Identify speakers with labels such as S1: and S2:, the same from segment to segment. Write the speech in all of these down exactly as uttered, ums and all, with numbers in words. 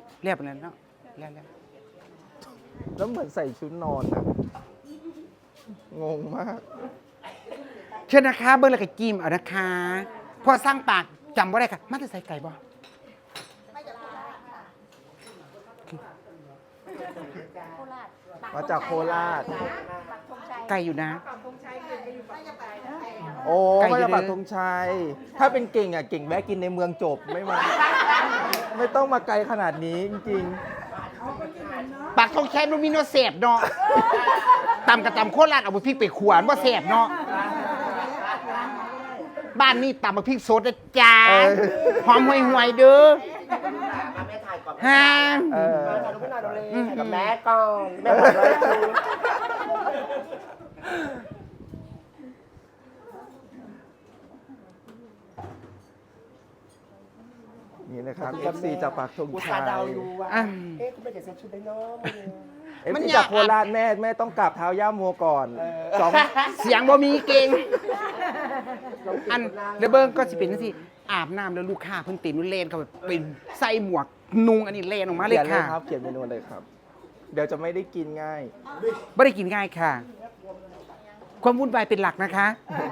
S1: เรียบแล้วเนาะแล้วแล้ว
S2: แล้วเหมือนใส่ชุดนอนอะงงมาก
S1: เชิญนะคะเบอร์ละกับจิมเอานะคะพอสร้างปากจำว่าได้ค่ะมาจะใส่ไก่บ่
S2: มาจากโคราช
S1: ไก่อยู่นะ
S2: โอ้
S1: ไก่
S2: มา
S1: อยู่
S2: จาก
S1: เลย
S2: ปักธงชัย ถ้าเป็นเก่งอ่ะเก่งแวะกินในเมืองจบไม่มา ไม่ต้องมาไกลขนาดนี้จริง
S1: ปากทองแค่นุ่มมีโนเสบเนาะตำกระตำโคตรลาดเอาไปพริกไปขวานว่าเสบเนาะบ้านนี่ตำมาพริกสดนะจ้าหอมห่วยๆเด้อฮะ
S2: ๆเออ
S3: กับแม่ก่อนแม่บอกเลยคือ
S2: นี่นะครับ เอฟ ซี จากปักธง
S3: อุต
S2: ชั
S3: ส่าย ห์เดาอยู่ว่า
S1: อ่ะ
S3: เอ๊ะคุณไม่จะเซ็ตชุดได้เนาะ
S2: เอฟ
S1: มัน
S2: ซี
S1: อยาก
S2: จากโคราชแม่แม่ต้องกราบเท้าย่าโมก่อนสอง
S1: เสียงบ่มีเก่งอันเดยวเบิ้งก็สิเป็นสิอาบน้ำแล้วลูกค้าเพิ่นตีนนุ่นเลนเขาแบบเป็นใส่หมวกนุงอันนี้เลนออกมาเล
S2: เขี
S1: ย
S2: ยนเลย
S1: ค่ะ
S2: ครับ เขียนเมนูเลยครับ เดี๋ยวจะไม่ได้กินง่าย
S1: ไม่ได้กินง่ายค่ะ ความวุ่นวายเป็นหลักนะคะ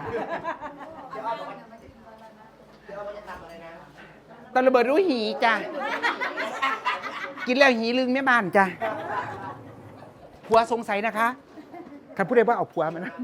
S1: ตอนระเบิดรู้หีจ้ะกินแล้วหีลึงแม่บ้านจ้ะผัวสงสัยนะคะคันพูดได้ว่าเอาผัวมานะ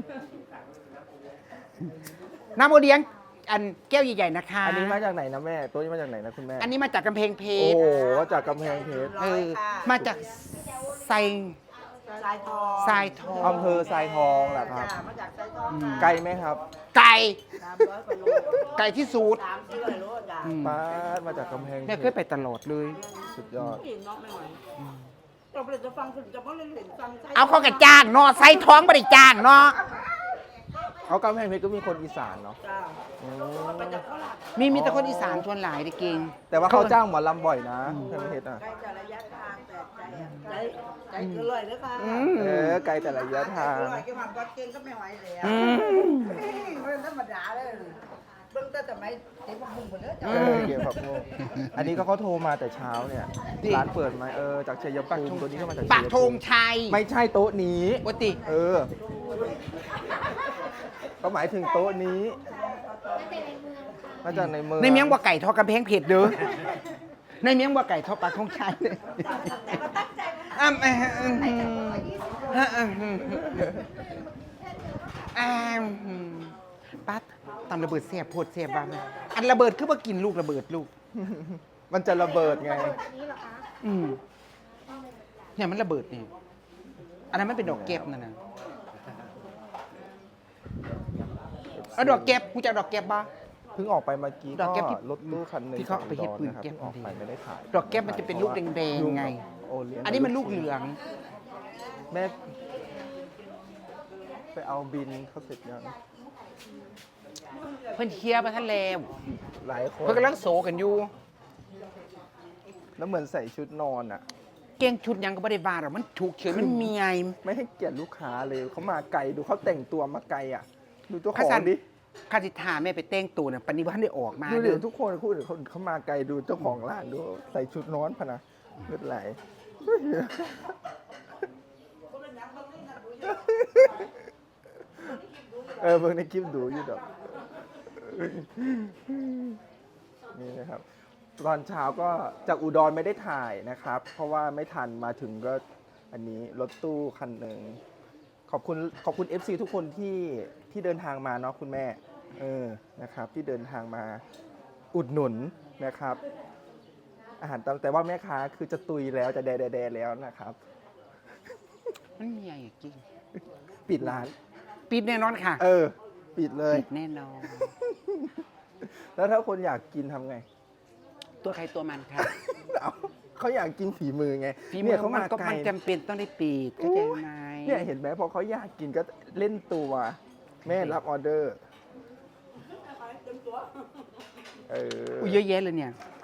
S1: น้ำโอเลี้ยงอันแก้วใหญ่ๆนะคะ
S2: อันนี้มาจากไหนนะแม่ตัวนี้มาจากไหนนะคุณแม่
S1: อันนี้มาจากกำแพงเพ
S2: โอ้
S1: ชร
S2: โหจากกำแพงเพชร
S1: เออมาจากไซ
S4: สายทอง
S1: ทรายทอง
S2: อำเภอทรายทองแหละครับ
S4: มาจากสายทอง
S2: ไกลไหมครับ
S1: ไก่
S4: สามร้อยกว่าโล
S1: ไก่ที่สูตร
S4: สามสิบโลจ้ะ
S1: อืม
S2: ป้าดมาจากกำแพง
S1: แม่เคยไปตลอดเลย
S2: สุดยอด
S4: เห็นน้องไม่ไหวเราไปจะฟังคุณจะไม่เห็นฟัง
S1: เอาเขากระจ้างเนาะไซท้องไม่ได้จ้างเนาะ
S2: เขากำแพงเพชรก็มีคนอีสานเนาะ
S4: จ้า
S2: อืม
S4: มาจากโคราช
S1: มีมีแต่คนอีสานชวนหลายได้เก่ง
S2: แต่ว่าเขาจ้างหมอลำบ่อยนะกำแพงเพชรอ่ะ
S4: ใกล้จะระยะทางแต่ใจอะใจใจเกินเลยนะคะ
S1: อืม
S2: เออไกลแต่ระยะทาง
S4: เกินเลยแค่ความก็เก่งก็ไม่ไหวแล้ว
S1: อืม
S4: มันธรรมดาเลยเบิ่งแต่ทำไมเด็กมันพุ่งหมดเลยจ้ะ
S2: เออเกี่ยวกับโมกอันนี้ก็เขาโทรมาแต่เช้าเนี่ย ร้านเปิดไหมเออ จากชัยภูมิตัวนี้ก็มาจากชั
S1: ปาก
S2: ย
S1: ธ
S2: ภู
S1: ง
S2: มิ
S1: ชัย
S2: ไม่ใช่โต๊ะนี้
S1: ปกติ
S2: เออ ก็หมายถึงโต๊ะนี้มาจากในเมือง
S1: ในเมียงว่าไก่ทอดกำแพงเพชรเด้อในเมียงว่าไก่ทอดปากธงชัยเลยอ้ำอ่ะอืมฮะอืมอืมอ่าอืมปั๊ดตำระเบิดเสียบโพดเสียบบ้างอันระเบิดคือว่ากินลูกระเบิดลูก
S2: มันจะระเบิดไง
S1: อืมเนี่ยมันระเบิดเนี่ยอันนั้นมันเป็นดอกเก็บนั่นนะเอาดอกเก็บกูจะเอาดอกเก็บบ้า
S2: เพิ่งออกไปเมื่อกี้
S1: ดอกแก๊ปที่
S2: รถตู้คันหนึ่ง
S1: ที่เขาเอาไปเฮ็ดปืน
S2: ของ
S1: แก๊ป
S2: อุดรนะครับเพิ่งออกไปไม่ได้ถ่าย
S1: ดอกแก๊ปมันจะเป็นลูกแดงๆไง
S2: โอเลี้ยง
S1: อันนี้มันลูกเหลือง
S2: แม่ไปเอาบินเขาเสร็จยัง
S1: เพื่อนเคลียร์มาท่านแล้ว
S2: หลายคน
S1: เพื่อนกำลังโศกันอยู่
S2: แล้วเหมือนใส่ชุดนอนอ่ะ
S1: เก่งชุดยังก็ไม่ได้บาหรอกมันถูกเฉยมันเมีย
S2: ไม่ให้เกียรติลูกค้าเลยเขามาไกลดูเขาแต่งตัวมาไกลอ่ะ ดูเจ้าข
S1: ข้า
S2: อง
S1: สัน
S2: ดิ
S1: ข้าสิทาแม่ไปแต่งตัวเนี่ยปันนี้ว่าได้ออกมา
S2: ดู
S1: เด้
S2: เดี๋ย
S1: อ
S2: วทุกคนพูดถึงเขาเขามาไกลดูเจ้าของร้านดูใส่ชุดนอนพะนะเลือดไหลเออเบิ่งในคลิปดูอยู่ดอกนี่นะครับ ตอนเช้าก็จากอุดรไม่ได้ถ่ายนะครับ เพราะว่าไม่ทันมาถึงก็อันนี้รถตู้คันหนึ่งขอบคุณขอบคุณ เอฟ ซี ทุกคนที่ที่เดินทางมาเนาะคุณแม่เออนะครับ ที่เดินทางมาอุดหนุนนะครับ อาหารตามแต่ว่าแม่ค้าคือจะตุยแล้วจะแดแดแดแล้วนะครับ
S1: มันเมียอย่างจริง
S2: ปิดร้าน
S1: ปิดแน่นอนค่ะ
S2: เออ ปิดเลย
S1: ปิดแน่นอน
S2: แล้วถ้าคนอยากกินทำไง
S1: ตัวใครตัวมันค่ะ
S2: เอาเขาอยากกินฝีมือไง
S1: ฝีมื
S2: เนี่
S1: อย
S2: เขา
S1: มั
S2: มาน
S1: ก็
S2: ไกล
S1: มันจำเป็นต้องได้ปิดเข้าใจไหม
S2: เนี่ยเห็นไหมพอเขาอยากกินก็เล่นตัว แม่รับออเดอร์ เออ
S1: อุ้ยเยอะแยะเลยเนี่ย
S2: เ